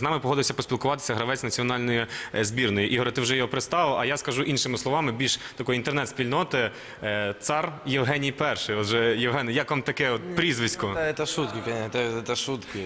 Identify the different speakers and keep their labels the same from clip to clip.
Speaker 1: З нами погодився поспілкуватися гравець національної збірної. Ігоре, ти вже його представив, а я скажу іншими словами, більш такої інтернет-спільноти. Цар Євгеній І. Отже, Євгене, як вам таке прізвисько?
Speaker 2: Это шутки, конечно, это шутки.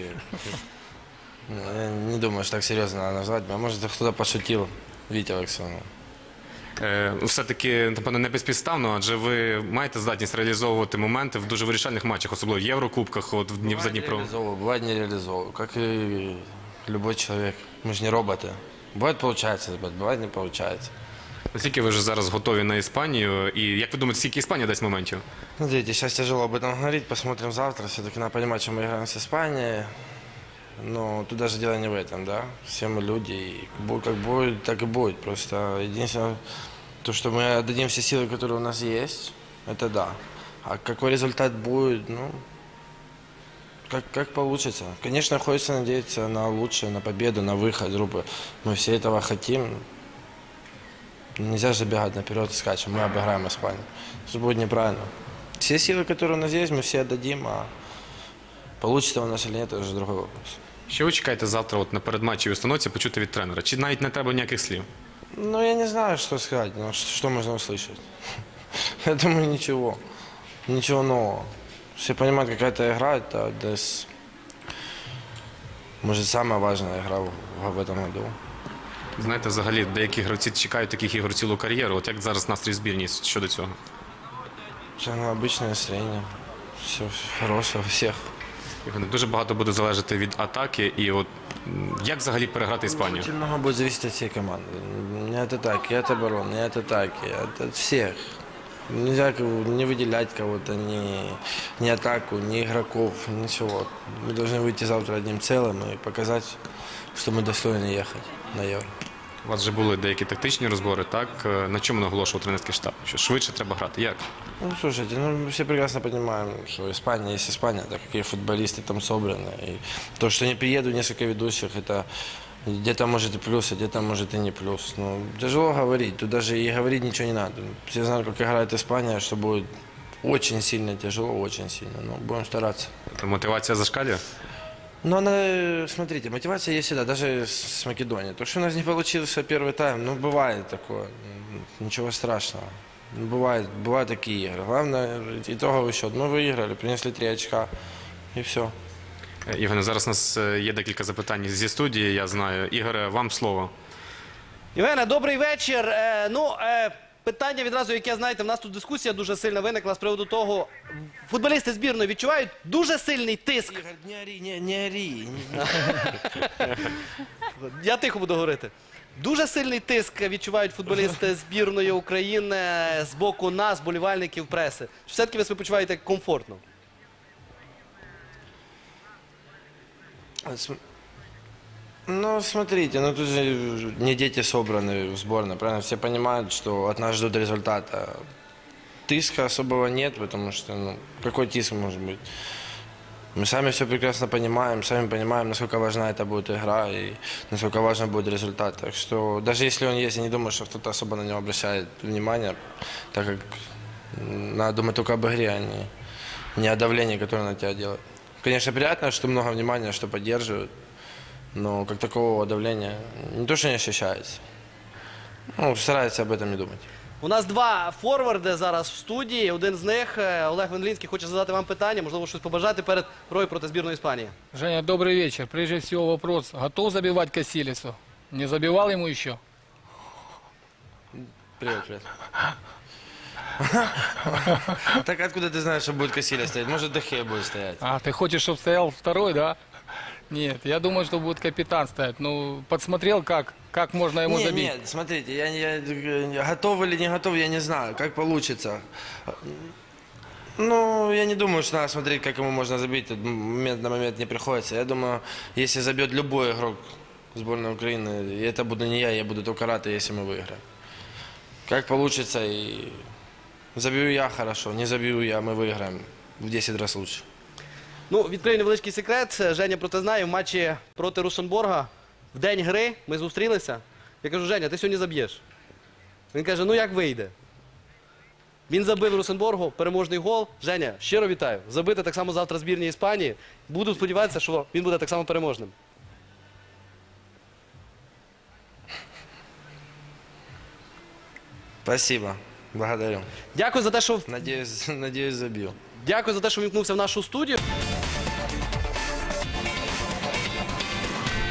Speaker 2: Я не думаю, что так серьезно надо назвать. А может, кто-то пошутил. Витя Аксенов.
Speaker 1: Все-таки, напевно, не безпідставно, адже ви маєте здатність реалізовувати моменти в дуже вирішальних матчах, особливо в Єврокубках, от за Дніпро.
Speaker 2: Бывает не реализовываю, как и любой человек. Мы же не роботы. Бывает получается, бывает не получается.
Speaker 1: Наскільки ви вже зараз готові на Іспанію? І як ви думаєте, скільки Іспанія дасть моментів?
Speaker 2: Смотрите, сейчас тяжело об этом говорить, посмотрим завтра. Все-таки надо понимать, что мы играем с Испанией. Но тут даже дело не в этом, да. Все мы люди, и как будет, так и будет. Просто единственное, то, что мы отдадим все силы, которые у нас есть, это да. А какой результат будет, ну, как получится. Конечно, хочется надеяться на лучшее, на победу, на выход группы. Мы все этого хотим. Нельзя же забегать наперед и скачем, мы обыграем Испанию. Это будет неправильно. Все силы, которые у нас есть, мы все отдадим, а получится у нас или нет, это уже другой вопрос.
Speaker 1: Що ви чекаєте завтра от на передматчевій установці почути від тренера? Чи навіть не треба ніяких слів?
Speaker 2: Ну, я не знаю, что сказать, но что можно услышать. Я думаю, ничего. Ничего нового. Все понимают, какая это игра, это может, самая важная игра в этом году.
Speaker 1: Знаєте, взагалі, деякі гравці чекають таких ігор цілу кар'єру. От як зараз настрій збірні щодо цього?
Speaker 2: Самое обычное настроение. Все хорошее у всех.
Speaker 1: Євгене, дуже багато буде залежати від атаки. І от як взагалі переграти Іспанію?
Speaker 2: Очень много будет зависеть от всей команды. Не от атаки, от обороны, не от атаки, от всех. Нельзя не выделять кого-то, ни атаку, ни игроков, ничего. Мы должны выйти завтра одним целым и показать, что мы достойны ехать на Евро.
Speaker 1: У вас вже були деякі тактичні розбори, так? На чому наголошував тренерський штаб? Що швидше треба грати? Як?
Speaker 2: Ну, слушайте, мы все прекрасно понимаем, что Испания есть Испания, так какие футболисты там собраны. И то, что не приедут несколько ведущих, это где-то может и плюс, а где-то может и не плюс. Но тяжело говорить, тут даже и говорить ничего не надо. Все знают, как играет Испания, что будет очень сильно тяжело, очень сильно. Но будем стараться.
Speaker 1: Мотивація зашкалює?
Speaker 2: Но она, смотрите, мотивация есть всегда, даже с Македонией. То, что у нас не получился первый тайм, ну, бывает такое, ничего страшного. Бывают такие игры. Главное, итоговый счет. Мы выиграли, принесли 3 очка, и все.
Speaker 1: Євгене, зараз у нас є декілька запитань зі студії, я знаю. Ігоре, вам слово.
Speaker 3: Євгене, добрий вечір. Питання відразу, яке, знаєте, в нас тут дискусія дуже сильно виникла з приводу того, футболісти збірної відчувають дуже сильний тиск.
Speaker 2: Игорь, не ори.
Speaker 3: Я тихо буду говорити. Дуже сильний тиск відчувають футболісти збірної України з боку нас, болівальників, преси. Чи все-таки ви себе почуваєте комфортно?
Speaker 2: Ну, смотрите, ну тут же не дети собраны в сборной, правильно? Все понимают, что от нас ждут результата. Тиска особого нет, потому что, ну, какой тиск может быть? Мы сами все прекрасно понимаем, насколько важна эта будет игра и насколько важен будет результат. Так что даже если он есть, я не думаю, что кто-то особо на него обращает внимание, так как надо думать только об игре, а не о давлении, которое на тебя делает. Конечно, приятно, что много внимания, что поддерживают, но как такового давления не то, что не ощущается. Ну, стараются об этом не думать.
Speaker 3: У нас два форварди зараз в студії. Один з них, Олег Вендлінський, хоче задати вам питання, можливо, щось побажати перед грою проти збірної Іспанії.
Speaker 4: Женя, добрый вечер. Прежде всего вопрос. Готов забивать Касилицу? Не забивал ему еще?
Speaker 2: Привет, привет. Так откуда ты знаешь, что будет Касилия стоять? Может, Дехе будет стоять?
Speaker 4: А, ты хочешь, чтобы стоял второй, да? Нет, я думаю, что будет капитан стоять. Ну, подсмотрел, как можно ему забить.
Speaker 2: Нет, смотрите, я готов или не готов, я не знаю, как получится. Ну, я не думаю, что надо смотреть, как ему можно забить. Тут момент на момент не приходится. Я думаю, если забьет любой игрок сборной Украины, и это буду не я буду только рад, если мы выиграем. Как получится, и забью я хорошо, не забью я, мы выиграем в 10 раз лучше.
Speaker 3: Ну, відкрию невеличкий секрет. Женя про це знає. В матчі проти Рушенборга в день гри ми зустрілися. Я кажу, Женя, ти сьогодні заб'єш. Він каже, ну як вийде? Він забив Рушенборгу переможний гол. Женя, щиро вітаю. Забити так само завтра збірній Іспанії. Буду сподіватися, що він буде так само переможним.
Speaker 2: Спасибо. Благодарю.
Speaker 3: Дякую за те, що
Speaker 2: Надеюсь, забил.
Speaker 3: Дякую за те, що вімкнувся в нашу студію.